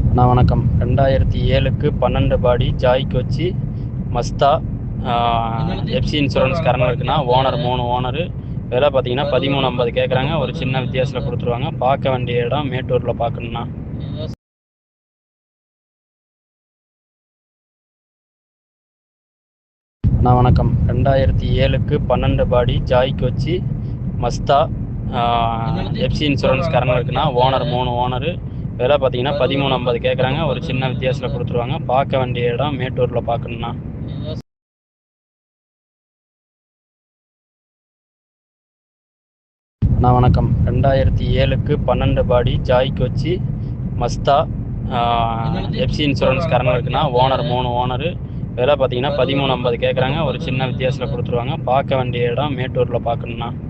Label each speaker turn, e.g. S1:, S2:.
S1: வணக்கம். 2007க்கு 12 body joy Kochi Mazda FC insurance current இருக்குன்னா ஓனர் 3 ஓனரு விலை பார்த்தீங்கன்னா 13.50 கேட்குறாங்க. ஒரு சின்ன வித்தியாசத்தில் கொடுத்துருவாங்க. பார்க்க வேண்டிய இடம் மேட்டூரில் பார்க்கணுன்னா. வணக்கம். 2007க்கு 12 body joy Kochi Mazda FC insurance current இருக்குன்னா ஓனர் 3 ஓனரு விலை பார்த்தீங்கன்னா 13.50 கேட்குறாங்க. ஒரு சின்ன வித்தியாசத்தில் கொடுத்துருவாங்க. பார்க்க வேண்டிய இடம் மேட்டூரில் பார்க்கணுன்னா. வணக்கம். 2007க்கு 12 body joy Kochi Mazda FC insurance current இருக்குன்னா ஓனர் 3 ஓனரு விலை பார்த்தீங்கன்னா 13.50 கேட்குறாங்க. ஒரு சின்ன வித்தியாசத்தில் கொடுத்துருவாங்க. பார்க்க வேண்டிய இடம் மேட்டூரில் பார்க்கணுன்னா.